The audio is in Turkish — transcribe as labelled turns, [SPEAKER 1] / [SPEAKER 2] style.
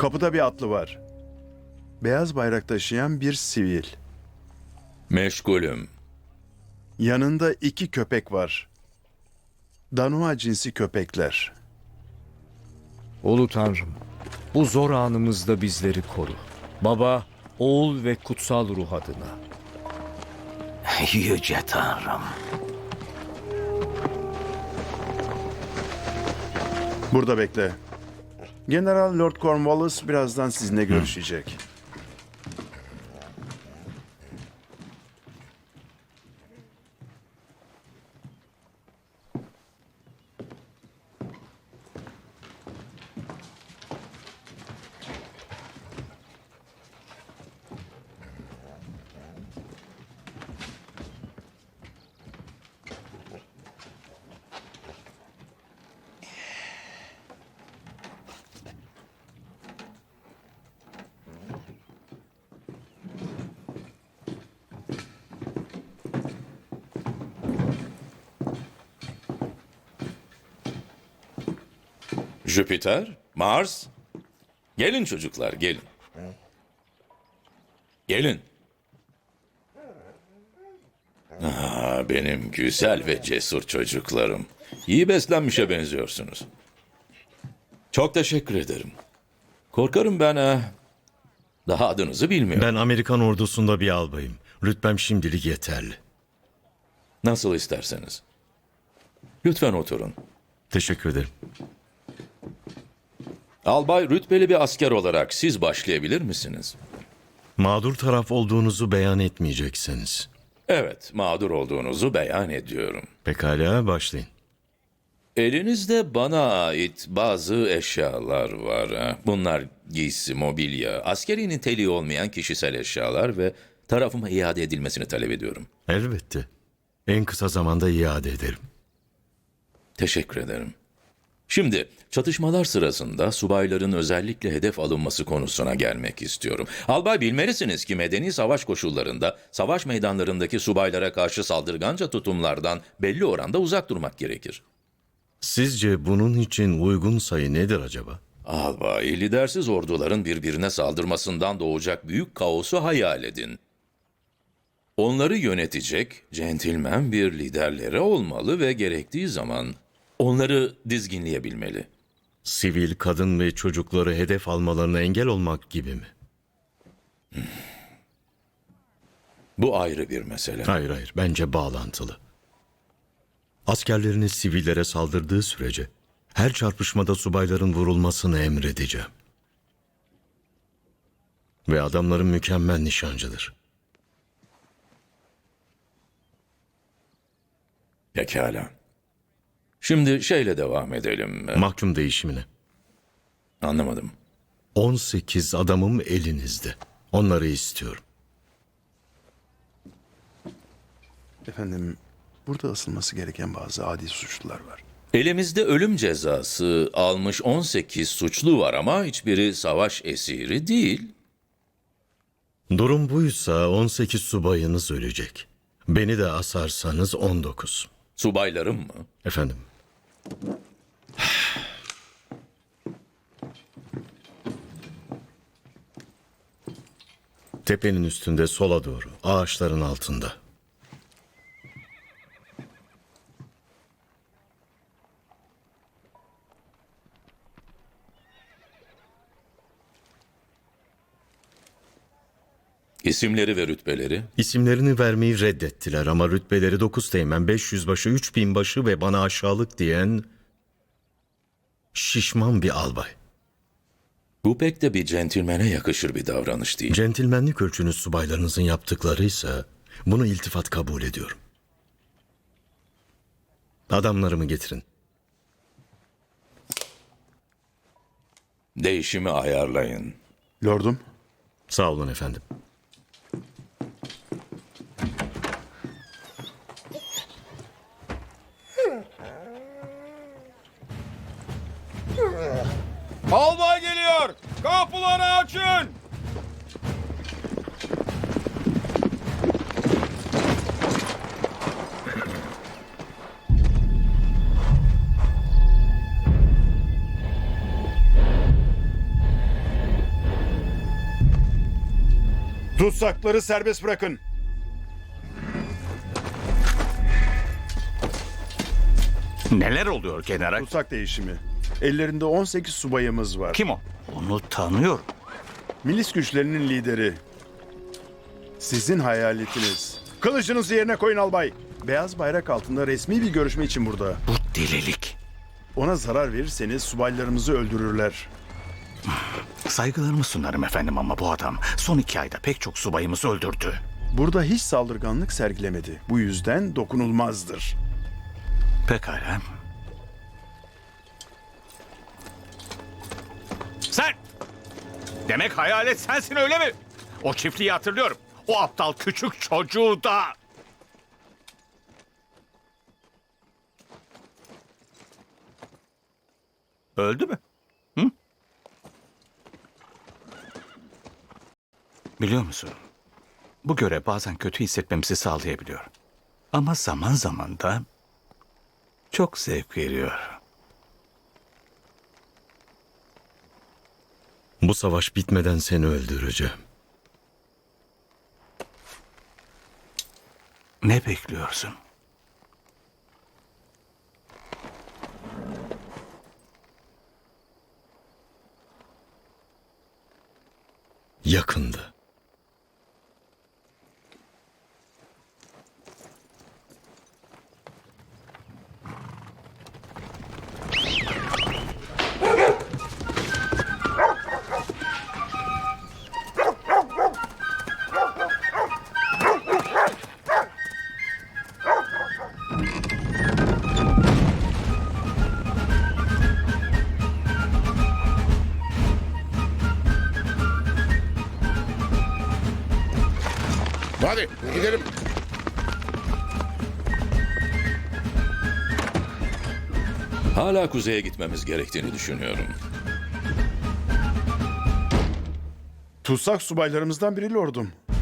[SPEAKER 1] Kapıda bir atlı var. Beyaz bayrak taşıyan bir sivil.
[SPEAKER 2] Meşgulüm.
[SPEAKER 1] Yanında 2 köpek var. Danua cinsi köpekler.
[SPEAKER 3] Ulu Tanrım, bu zor anımızda bizleri koru. Baba, oğul ve kutsal ruh adına.
[SPEAKER 4] Yüce Tanrım.
[SPEAKER 1] Burada bekle. General Lord Cornwallis birazdan sizinle görüşecek.
[SPEAKER 2] Jüpiter, Mars. Gelin çocuklar, gelin. Gelin. Benim güzel ve cesur çocuklarım. İyi beslenmişe benziyorsunuz. Çok teşekkür ederim. Korkarım ben daha adınızı bilmiyorum.
[SPEAKER 5] Ben Amerikan ordusunda bir albayım. Rütbem şimdilik yeterli.
[SPEAKER 2] Nasıl isterseniz. Lütfen oturun.
[SPEAKER 5] Teşekkür ederim.
[SPEAKER 2] Albay rütbeli bir asker olarak siz başlayabilir misiniz?
[SPEAKER 5] Mağdur taraf olduğunuzu beyan etmeyeceksiniz.
[SPEAKER 2] Evet, mağdur olduğunuzu beyan ediyorum.
[SPEAKER 5] Pekala, başlayın.
[SPEAKER 2] Elinizde bana ait bazı eşyalar var. Bunlar giysi, mobilya, askeri niteliği olmayan kişisel eşyalar ve tarafıma iade edilmesini talep ediyorum.
[SPEAKER 5] Elbette. En kısa zamanda iade ederim.
[SPEAKER 2] Teşekkür ederim. Şimdi çatışmalar sırasında subayların özellikle hedef alınması konusuna gelmek istiyorum. Albay bilmelisiniz ki medeni savaş koşullarında savaş meydanlarındaki subaylara karşı saldırganca tutumlardan belli oranda uzak durmak gerekir.
[SPEAKER 5] Sizce bunun için uygun sayı nedir acaba?
[SPEAKER 2] Albay, lidersiz orduların birbirine saldırmasından doğacak büyük kaosu hayal edin. Onları yönetecek centilmen bir liderleri olmalı ve gerektiği zaman onları dizginleyebilmeli.
[SPEAKER 5] Sivil, kadın ve çocukları hedef almalarına engel olmak gibi mi?
[SPEAKER 2] Bu ayrı bir mesele.
[SPEAKER 5] Hayır, bence bağlantılı. Askerleriniz sivillere saldırdığı sürece her çarpışmada subayların vurulmasını emredeceğim. Ve adamların mükemmel nişancıdır.
[SPEAKER 2] Pekala. Şimdi şeyle devam edelim.
[SPEAKER 5] Mahkum değişimine.
[SPEAKER 2] Anlamadım.
[SPEAKER 5] 18 adamım elinizde. Onları istiyorum.
[SPEAKER 1] Efendim, burada asılması gereken bazı adi suçlular var.
[SPEAKER 2] Elimizde ölüm cezası almış 18 suçlu var ama hiçbiri savaş esiri değil.
[SPEAKER 5] Durum buysa 18 subayınız ölecek. Beni de asarsanız 19.
[SPEAKER 2] Subaylarım mı?
[SPEAKER 5] Efendim, tepenin üstünde sola doğru, ağaçların altında.
[SPEAKER 2] İsimleri ve rütbeleri?
[SPEAKER 5] İsimlerini vermeyi reddettiler ama rütbeleri 9 teğmen, 500 başı, 3000 başı ve bana aşağılık diyen şişman bir albay.
[SPEAKER 2] Bu pek de bir centilmene yakışır bir davranış değil.
[SPEAKER 5] Centilmenlik ölçünüz subaylarınızın yaptıklarıysa bunu iltifat kabul ediyorum. Adamlarımı getirin.
[SPEAKER 2] Değişimi ayarlayın.
[SPEAKER 1] Lordum,
[SPEAKER 5] Sağ olun efendim.
[SPEAKER 6] Albay geliyor! Kapıları açın!
[SPEAKER 1] Tutsakları serbest bırakın.
[SPEAKER 4] Neler oluyor general?
[SPEAKER 1] Tutsak değişimi. Ellerinde 18 subayımız var.
[SPEAKER 4] Kim o? Onu tanıyorum.
[SPEAKER 1] Milis güçlerinin lideri. Sizin hayaletiniz. Kılıcınızı yerine koyun albay. Beyaz bayrak altında resmi bir görüşme için burada.
[SPEAKER 4] Bu delilik.
[SPEAKER 1] Ona zarar verirseniz subaylarımızı öldürürler.
[SPEAKER 4] Saygılarımı sunarım efendim ama bu adam son 2 ayda pek çok subayımızı öldürdü.
[SPEAKER 1] Burada hiç saldırganlık sergilemedi. Bu yüzden dokunulmazdır.
[SPEAKER 4] Pekala. Sen! Demek hayalet sensin öyle mi? O çiftliği hatırlıyorum. O aptal küçük çocuğu da. Öldü mü? Hı? Biliyor musun? Bu görev bazen kötü hissetmemizi sağlayabiliyor. Ama zaman zaman da çok zevk veriyor.
[SPEAKER 5] Bu savaş bitmeden seni öldüreceğim.
[SPEAKER 4] Ne bekliyorsun?
[SPEAKER 5] Yakında.
[SPEAKER 6] Hadi gidelim.
[SPEAKER 2] Hala kuzeye gitmemiz gerektiğini düşünüyorum.
[SPEAKER 1] Tutsak subaylarımızdan biri lordum.